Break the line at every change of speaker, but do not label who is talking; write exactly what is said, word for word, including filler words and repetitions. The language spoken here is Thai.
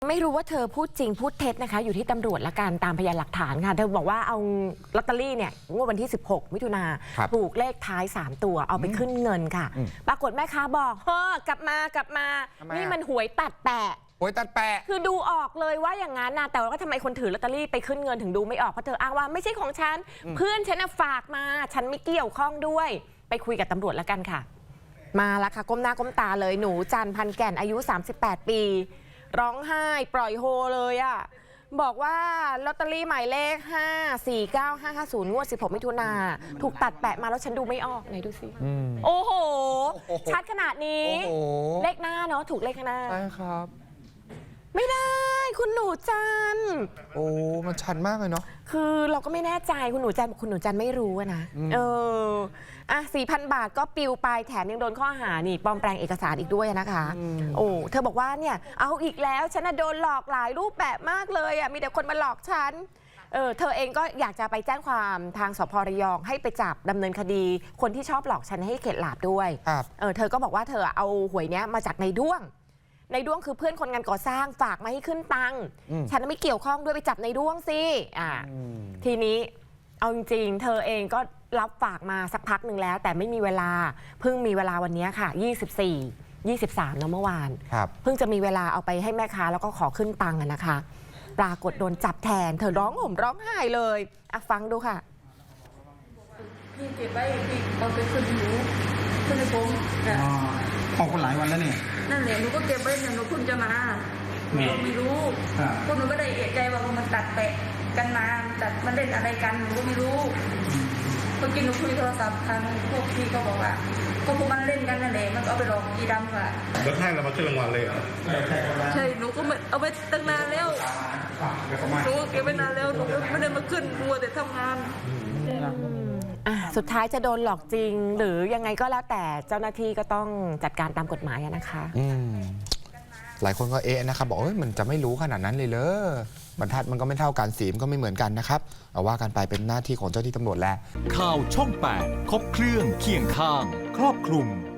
ไม่รู้ว่าเธอพูดจริงพูดเท็จนะคะอยู่ที่ตำรวจละกันตามพยานหลักฐานค่ะเธอบอกว่าเอาลอตเตอรี่เนี่ยงวดวันที่สิบหกมิถุนาถูกเลขท้ายสามตัวเอาไปขึ้นเงินค่ะปรากฏแม่ค้าบอกเฮ้อกลับมากลับมานี่มันหวยตัดแปะ
หวยตัดแปะ
คือดูออกเลยว่าอย่างนั้นนะแต่ว่าทำไมคนถือลอตเตอรี่ไปขึ้นเงินถึงดูไม่ออกเพราะเธออ้างว่าไม่ใช่ของฉันเพื่อนฉันฝากมาฉันไม่เกี่ยวข้องด้วยไปคุยกับตำรวจละกันค่ะมาแล้วค่ะก้มหน้าก้มตาเลยหนูจันพันแก่นอายุสามสิบแปดปีร้องไห้ปล่อยโฮเลยอ่ะบอกว่าลอตเตอรี่หมายเลขห้า สี่ เก้า ห้า ห้า ศูนย์งวดสิบหกมิถุนาถูกตัดแปะมาแล้วฉันดูไม่ออกไหนดูสิโอ้โหชัดขนาดนี้เลขหน้าเนาะถูกเลขหน้า
ใช่ครับ
ไม่ได้คุณหนูจัน
โอ้มันชันมากเลยเนาะ
คือเราก็ไม่แน่ใจคุณหนูจันบอกคุณหนูจันไม่รู้นะเอออ่ะสี่พันบาทก็ปิวไปแถมยังโดนข้อหานี่ปลอมแปลงเอกสารอีกด้วยนะคะโอ้เธอบอกว่าเนี่ยเอาอีกแล้วฉันโดนหลอกหลายรูปแบบมากเลยอ่ะมีแต่คนมาหลอกฉันเออเธอเองก็อยากจะไปแจ้งความทางสภ.ระยองให้ไปจับดำเนินคดีคนที่ชอบหลอกฉันให้เข็ดหลาบด้วยเออเธอก็บอกว่าเธอเอาหวยเนี้ยมาจากในด้วงในด้วงคือเพื่อนคนงานก่อสร้างฝากมาให้ขึ้นตังค์ฉันไม่เกี่ยวข้องด้วยไปจับในด้วงสิอ่าทีนี้เอาจริงๆเธอเองก็รับฝากมาสักพักหนึ่งแล้วแต่ไม่มีเวลาเพิ่งมีเวลาวันนี้ค่ะยี่สิบสี่ ยี่สิบสามเมื่อวานเพิ่งจะมีเวลาเอาไปให้แม่ค้าแล้วก็ขอขึ้นตังค์นะคะปรากฏโดนจับแทนเธอร้องห่มร้องไห้เลยอ่ะฟังดูค่ะ
พี่เก็บไว้พี่เอาไปขึ้นหนูขึ้นในผม
ของคนหลายวันแล้วเนี่ย
นั่นแหละหนูก็เก็บไว้เนี่ยหนูเพิ่งจะมาหนูไม่รู้พวกหนูก็ได้เอะใจว่ามันตัดแปะกันมาตัดมันเล่นอะไรกันหนูก็ไม่รู้เมื่อกี้หนูคุยโทรศัพท์ทางพวกพี่ก็บอกว่าก็พวกมันเล่นกันนั่นแหละมันเอาไปหลอกกีดำค่ะ
แล้วให้เรามาขึ้นรางวัลเลยเหรอ
ใช่หนูก็เอาไปตั้งนานแล้วหนูเก็บไปนานแล้วหนูไม่ได้มาขึ้นมัวแต่ทำงาน
สุดท้ายจะโดนหลอกจริงหรือยังไงก็แล้วแต่เจ้าหน้าที่ก็ต้องจัดการตามกฎหมายนะคะ
หลายคนก็เอ๊ะนะครับบอกเอ้ยมันจะไม่รู้ขนาดนั้นเลยเหรอบรรทัดมันก็ไม่เท่ากันสีมันก็ไม่เหมือนกันนะครับเอาว่ากันไปเป็นหน้าที่ของเจ้าที่ตำรวจแหละ
ข่าวช่องแปดครบเครื่องเคียงข้างครอบคลุม